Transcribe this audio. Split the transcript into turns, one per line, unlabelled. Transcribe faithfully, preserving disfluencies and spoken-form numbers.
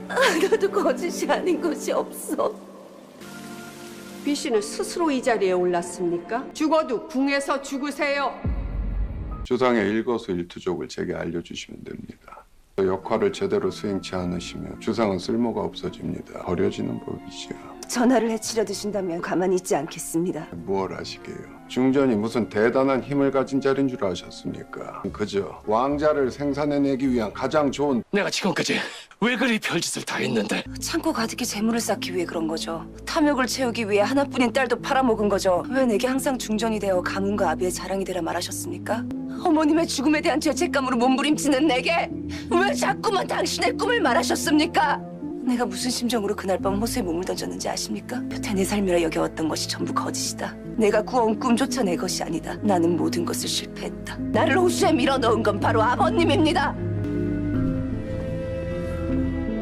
하나도 거짓이 아닌 것이 없어.
B 씨는 스스로 이 자리에 올랐습니까? 죽어도 궁에서 죽으세요.
주상의 일거수일투족을 제게 알려주시면 됩니다. 역할을 제대로 수행치 않으시면 주상은 쓸모가 없어집니다. 버려지는 법이지요.
전하를 해치려 드신다면 가만히 있지 않겠습니다.
무얼 하시게요? 중전이 무슨 대단한 힘을 가진 자리인 줄 아셨습니까? 그저 왕자를 생산해내기 위한 가장 좋은
내가 지금까지 왜 그리 별짓을 다 했는데
창고 가득히 재물을 쌓기 위해 그런 거죠. 탐욕을 채우기 위해 하나뿐인 딸도 팔아먹은 거죠. 왜 내게 항상 중전이 되어 가문과 아비의 자랑이 되라 말하셨습니까? 어머님의 죽음에 대한 죄책감으로 몸부림치는 내게 왜 자꾸만 당신의 꿈을 말하셨습니까? 내가 무슨 심정으로 그날 밤 호수에 몸을 던졌는지 아십니까? 여태 내 삶이라 여겨왔던 것이 전부 거짓이다. 내가 꾸어온 꿈조차 내 것이 아니다. 나는 모든 것을 실패했다. 나를 호수에 밀어넣은 건 바로 아버님입니다.